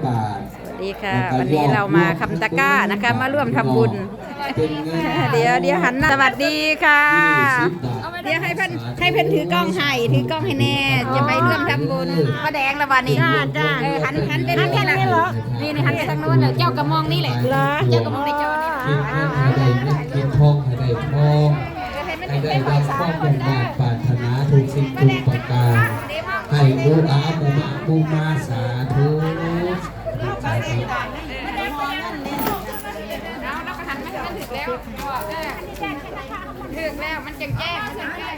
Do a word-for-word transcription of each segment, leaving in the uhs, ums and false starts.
บาทดีค่ะวันนี้เรามาคำตะก้านะคะมาร่วมทำบุญเดี๋ยวเดี๋ยวหันหน้าสวัสดีค่ะเดี๋ยวให้เพื่อนให้เพื่อนถือกล้องให้ถือกล้องให้แน่จะไปร่วมทำบุญป้าแดงละวันนี้จ้าเออหันหันไปทางนี้นะนี่นี่หันไปทางโน้นเลยเจ้ากระมองนี่แหละเจ้ากระมองในจอนี่ให้ได้เงินกินทองให้ได้ทองให้ได้รับความมุ่งมั่นปรารถนาทุกสิ่งทุกประการให้บูอาบูมาบูมาสาธุสาธุถึงแล้วมันแจ้งแจ้งมันแจ้งแจ้ง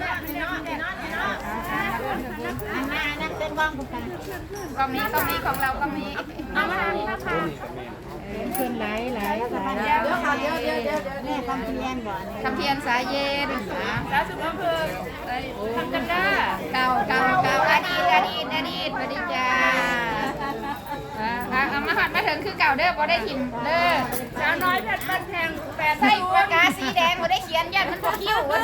กล้องนี้กล้องนี้ของเรากล้องนี้เอามานะคะขึ้นไหลไหลไหลเดี๋ยวเดี๋ยวเดี๋ยวเดี๋ยวเดี๋ยวนี่คำเพียนก่อนคำเพียนสายเย็นสาสุภาพเพิ่มทำกันได้เก่าเก่าเก่าอดีตอดีตอดีตสวัสดีจ้าเอามาหัดมาถึงคือเก่าเด้อพอได้ถิ่มเด้อสาวน้อยแผ่นบ้านแพงแปดใส่ปากกาสีแดงพอได้เขียนยันมันพอคิ้วโอ้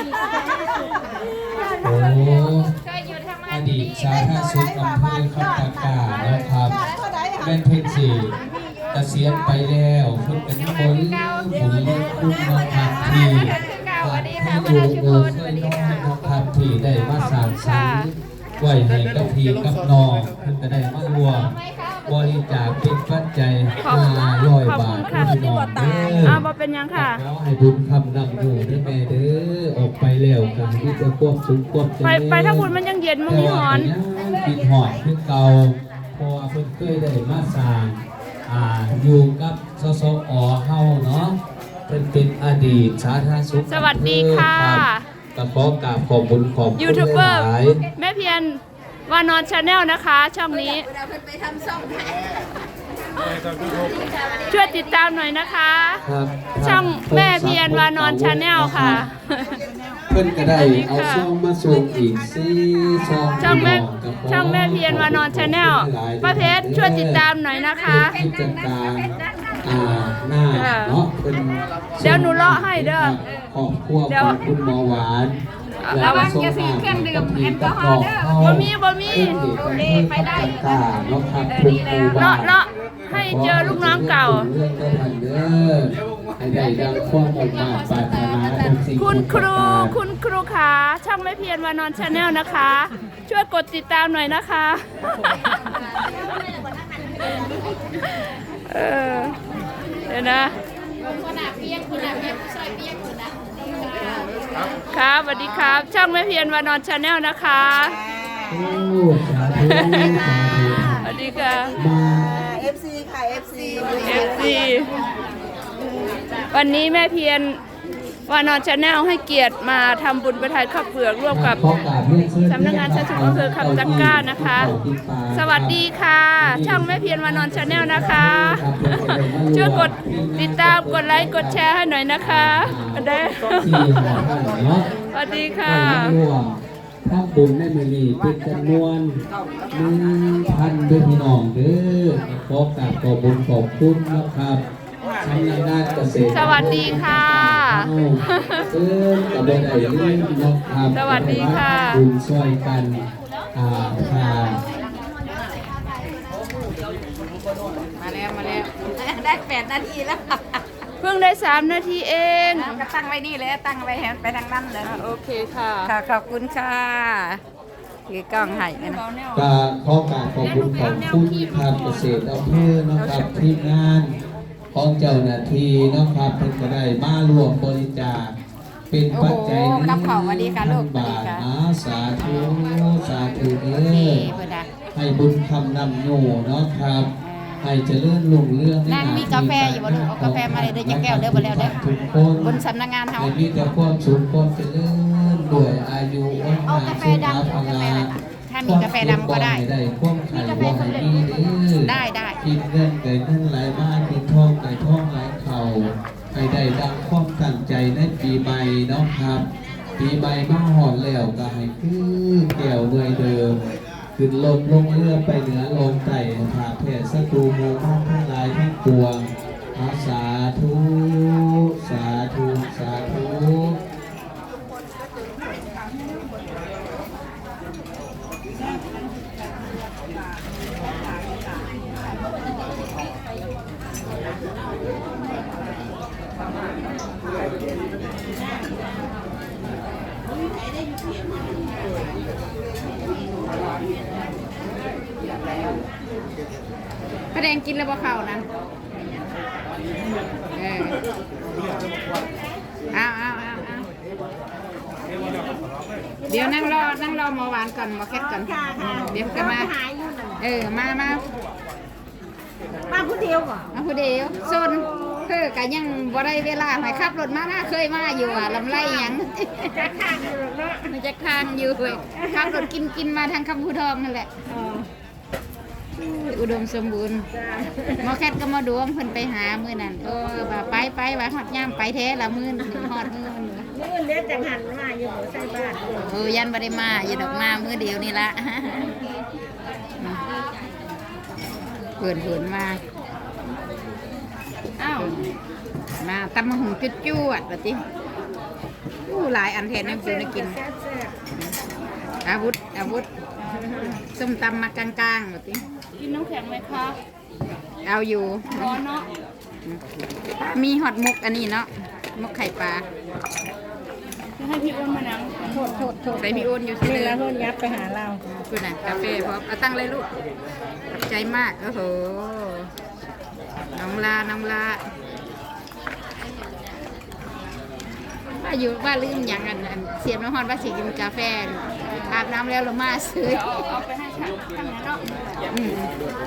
เคยอยู่ทำงานอดีตสาธารณสุขอำเภอคำตะกานะครับแม่เพชรศรีเกษียณไปแล้วคุณเป็นคนบุญเลี้ยงคุณนะครับที่ที่อยู่โอ้เคยน้อยนะครับที่ได้มาสานสรรค์ไหวให้กับพี่กับน้องคุณจะได้มารวมบริจาคเป็นปัจจัยห้าร้อยบาทพี่น้องเด้ออ้าวเป็นยังค่ะขอให้บุญคำนำอยู่ด้วยแม่เด้อออกไปแล้วกันที่จะควบสูงควบจะไปไปถ้าบุญมันยังเย็นมันมีหอนกินหอนคือเก่าพอเพิ่นเคยได้มาสร้างอ่าอยู่กับสสอเฮาเนาะเป็นเป็นอดีตสาธารณสุขสวัสดีค่ะกระขอกราบขอบบุญขอบคุณยูทูบเบอร์แม่เพียรวานอนชาแนลนะคะช่องนี้ช่วยติดตามหน่อยนะคะช่องแม่เพียรวานอนชาแนลค่ะเพื่อนก็ได้เอาช่องมาส่งอีกซี่ช่องช่องแม่ช่องแม่เพียรวานอนชาแนลป้าเพชรช่วยติดตามหน่อยนะคะกิจการอ่าหน้าเนาะเป็นเดี๋ยวหนูเลาะให้เด้อครอบครัวของคุณหมอหวานระวังจะซื้อเครื่องดื่มแอลกอฮอล์เด้อบ่มีบ่มีโอเคไปได้เลาะเลาะให้เจอลูกน้องเก่าคุณครูคุณครูขาช่องแม่เพียรวานอนชาแนลนะคะช่วยกดติดตามหน่อยนะคะเออเดี๋ยวนะครับสวัสดีครับช่องแม่เพียรวานอนชาแนลนะคะสวัสดีค่ะเอฟ ซี ค่ะ เอฟ ซีเอฟ ซี วันนี้แม่เพียรวานอนชาแนลให้เกียรติมาทำบุญประทานข้าวเปลือกร่วมกับสำนักงานชาติอำเภอคำตะกร้านะคะสวัสดีค่ะช่องแม่เพียรวานอนชาแนลนะคะช่วยกดติดตามกดไลค์กดแชร์ให้หน่อยนะคะได้สวัสดีค่ะถ้าบุญได้มาลีเป็นจำนวนหนึ่งพันด้วยพี่น้องเด้อขอกราบขอบบุญขอบคุณนะครับสำนักงานเกษตรสวัสดีค่ะซึ่งกับได้เรื่องนะครับสวัสดีค่ะบุญช่วยกันอ่าค่ะมาแล้วมาแล้วได้แปดนาทีแล้วเพิ่งได้สามนาทีเองก็ตั้งไว้นี่เลยตั้งไว้แหนไปทางนั้นเลยโอเคค่ะค่ะขอบคุณค่ะคือกล้องให้นะก็ขอกราบขอบคุณขอบคุณทางเกษตรอำเภอนะครับทีมงานของเจ้าหน้าที่นะครับเพิ่นก็ได้มารวมบริจาคเป็นปัจจัยหนึ่งพันบาทนะสาธุสาธุเด้อให้บุญคำนำอยู่เนาะครับให้เจริญรุ่งเรืองนั่งมีกาแฟอยู่บ่ลูกเอากาแฟมาเลยเด้อจะแก้วเด้อบ่แล้วเด้อบนสำนักงานเฮามีแต่ความสุขความเจริญด้วยอายุวันเอากาแฟดำเอากาแฟอะไรถ้ามีกาแฟดำก็ได้มีกาแฟสดได้ได้กินเงินไก่เงินไหลมากินทองไก่ทองไหลเข่าให้ได้ดังความตั้งใจในปีใหม่เนาะครับปีใหม่มาหอดแล้วก็ให้คือแก้วเงยเดิมขึ้นลมลงเรือไปเหนือลงใต้ผ่าแผ่ศัตรูโมฆะทั้งหลายทั้งปวงสาธุสาธุสาธุระแดงกินแล้วบ่เข้านะเออเอาเอาเอาเอาเดี๋ยวนั่งรอนั่งรอหมอหวานก่อนหมอแคทก่อนเดี๋ยวจะมาเออมามามาผู้เดียวก่อนมาผู้เดียวโซนเพื่อกันยังบ่ได้เวลาให้ขับรถมาหน้าเคยมาอยู่อ่ะลำไรยังจะค้างอยู่เนาะมันจะค้างอยู่เว้ยขับรถกินกินมาทางคำพูทองนั่นแหละอุดมสมบูรณ์หมอแคทก็มาดวงเพิ่นไปหามื้อนั้นเออว่าไปไปว่าฮอดยามไปแท้ละมื้อถึงฮอดมื้อมันมื้อเล็กจังหันมาอยู่บ่ใช่บ้านเออยันบ่ได้มาอย่าดอกมามื้อเดียวนี่ละเพิ่นเพิ่นมาอ้าวมาตำมะหุ่งจุดจวดแบบนี้อู้หลายอันแทนน้ำจิ้มกินอาวุธอาวุธส้มตำมากลางๆแบบนี้กินน้ำแข็งไหมคะเอาอยู่ร้อนเนาะมีฮอตมุกอันนี้เนาะมุกไข่ปลาจะให้พี่อ้วนมานั่งโทษโทษโทษใส่พี่โอนอยู่ที่นี่เดิแล้วมเพิ่นยับไปหาเราคุณน่ะกาแฟพร้อมเอาตั้งเลยลูกขอบใจมากโอ้โหน้องลาน้องลาว่าอยู่ว่าลืมอย่างนั้นอันเสียบน้ำฮอนว่าสิกินกาแฟอาบน้ำแล้วเรามาซื้อเอาเอาไปให้ฉันทำงานเนาะอืม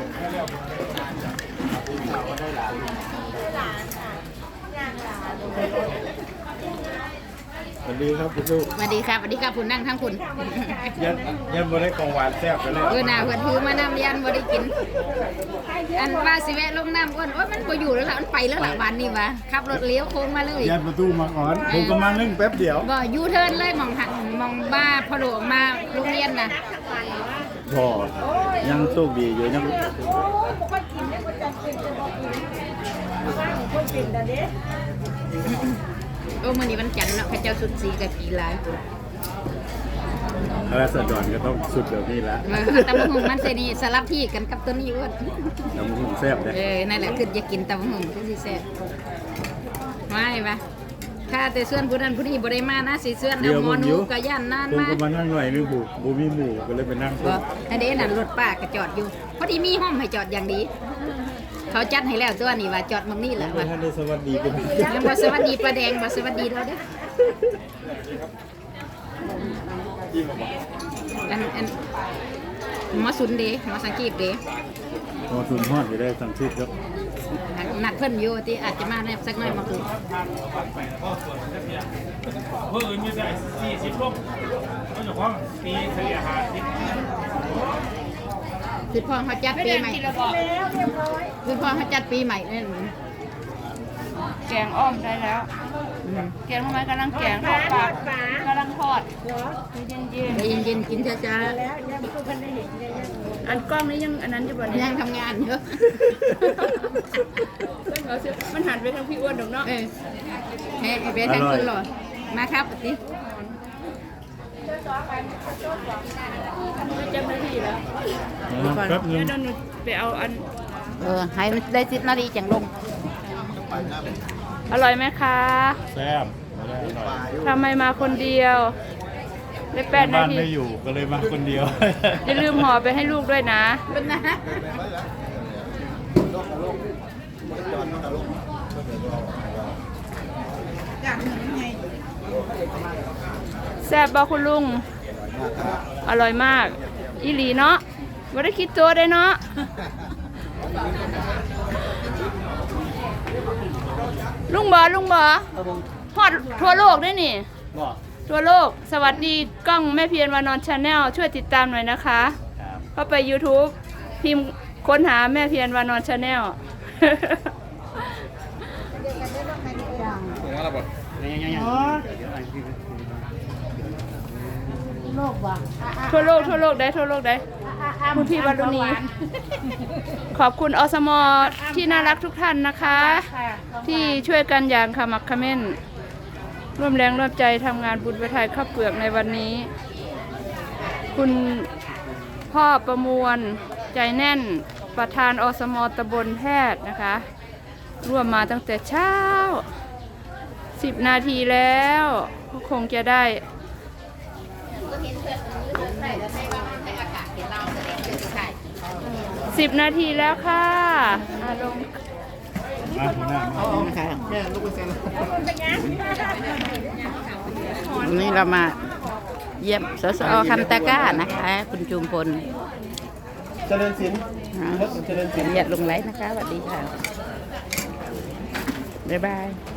สวัสดีครับคุณลูกสวัสดีครับสวัสดีครับคุณนั่งทั้งคุณยันยันบ่ได้ของหวานแซ่บกันเลยเออน่าเพื่อนถือมาน้ำยันบ่ได้กิน อันว่าสิแวะลงน้ำอ้วนว่ามันบ่อยู่แล้วล่ะมันไปแล้วล่ะวันนี้วะขับรถเลี้ยวโค้งมาเลยยันประตูมาก่อนผมก็มานึ่งแป๊บเดียวบ่ยูเทิร์นเลยมองหักมองบ้าพอโดดมาโรงเรียนน่ะพอยังโชคดีอยู่ยังโอ้มื้อนี้วันจันทร์เนาะข้าเจ้าสุดสีกับกีฬาราษฎรก็ต้องสุดเดี๋ยวนี้ละเออตำบักหุ่งมันเสนีสลับที่กันกับตัวนี้อ้วนน้ำหุ่นแซ่บเลยเออนั่นแหละคืออยากกินตำบักหุ่งคือสิแซ่บไม่ปะถ้าแต่เสื้อนผู้นั้นผู้นี้บ่ได้มานะสิเสื้อนเอาหมอนูก็ย่านนานผมมาก็มานั่งหน่อยนึงผูกบูมีหมูก็เลยไปนั่งบ่อันนี้นั่นรถป้าก็จอดอยู่พอดีมีห้องให้จอดอย่างดี เขาจัดให้แล้วตัวนี้ว่าจอดมึงนี่แหละว่าท่านได้สวัสดีกันยังบ่สวัสดีป้าแดงบ่สวัสดีเราเด้ออันอันหมอสุนเด้หมอสังกีบเด้พอทุนฮอดอยู่ได้ทั้งทิศครับนัดเพิ่นอยู่ที่อาจจะมาได้สักหน่อยมาคุยเพื่ออื่นมีได้สี่สิบลูกก็จะพร้อมปีเฉลี่ยหาสิบคือพ่อเขาจัดไม่ปีได้ใหม่กินแล้วบอกคือพ่อเขาจัดปีใหม่นั่นแกงอ้อมได้แล้ว แกงทำไมกำลังแกงทอดปลากำลังทอดเย็นเย็นใจเย็นๆกินช้าๆอันกล้องนี้ยังอันนั้นอยู่บ่ๆเนี่ยยังทำงานอยู่เอาสิมันหันไปทางพี่อ้วนดอกเนาะเออเฮ้ยเป็นทางคุณหรอมาครับปฏิจำได้ที่แล้วแป๊บนึเดี๋งยวหนูไปเอาอันเออให้มันได้สิบนาทีจังลงอร่อยไหมคะแซ่บไม่ได้อร่อยทำไมมาคนเดียว ได้แปดนาบ้านทีไม่อยู่ก็เลยมาคนเดียวอย่าลืมห่อไปให้ลูกด้วยนะเป็นนะแซ่บบอกคุณลุง อร่อยมาก อีหลีเนาะไม่ได้คิดตัวได้เนาะ ลุงบอลุงบอฮอดทั่วโลกด้วยนี่ ทั่วโลก สวัสดีกล้องแม่เพียรวานอนชาแนลช่วยติดตามหน่อยนะคะเข้าไป YouTube พิมพ์ค้นหาแม่เพียรวานอนชาแนล ทั่วโลกทั่วโลกได้ทั่วโลกได้คุณพี่วารุณี ขอบคุณอสมที่น่ารักทุกท่านนะคะ ที่ช่วยกันอย่างขมักเขม้นร่วมแรงร่วมใจทำงานบุญประทายข้าวเปลือกในวันนี้ คุณพ่อประมวลใจแน่นประธานอสมตำบลแพทย์นะคะ ร่วมมาตั้งแต่เช้าสิบนาทีแล้วก็คงจะได้สิบนาทีแล้วค่ะอ่ะลงมาหัวหน้ามานะคะวันนี้เรามาเยี่ยมสสคำตะกร้านะคะ คุณจูมพลเจริญศิลป์รถเจริญศิลป์อย่าลงไลน์นะคะสวัสดีค่ะ บ๊ายบาย